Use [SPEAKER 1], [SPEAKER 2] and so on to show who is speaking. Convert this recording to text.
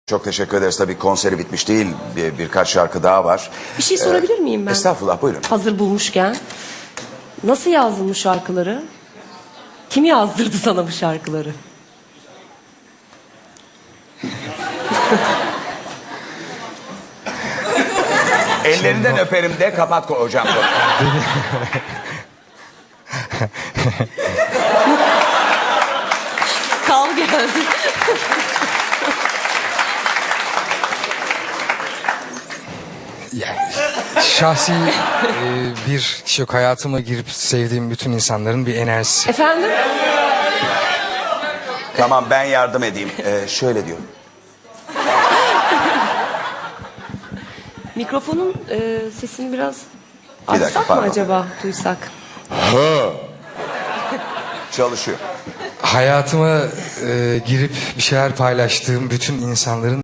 [SPEAKER 1] Çok teşekkür ederiz. Tabii konseri bitmiş değil. Birkaç şarkı daha var.
[SPEAKER 2] Bir şey sorabilir miyim ben?
[SPEAKER 1] Estağfurullah, buyurun.
[SPEAKER 2] Hazır bulmuşken. Nasıl yazdın bu şarkıları? Kim yazdırdı sana bu şarkıları?
[SPEAKER 1] Ellerinden öperim de kapat hocam.
[SPEAKER 2] Kal geldi.
[SPEAKER 3] Yani şahsi bir kişi yok. Hayatıma girip sevdiğim bütün insanların bir enerjisi.
[SPEAKER 2] Efendim?
[SPEAKER 1] Tamam, ben yardım edeyim. Şöyle diyorum.
[SPEAKER 2] Mikrofonun sesini biraz
[SPEAKER 1] Bir dakika,
[SPEAKER 2] açsak mı
[SPEAKER 1] pardon.
[SPEAKER 2] acaba, duysak?
[SPEAKER 1] Çalışıyor.
[SPEAKER 3] Hayatıma girip bir şeyler paylaştığım bütün insanların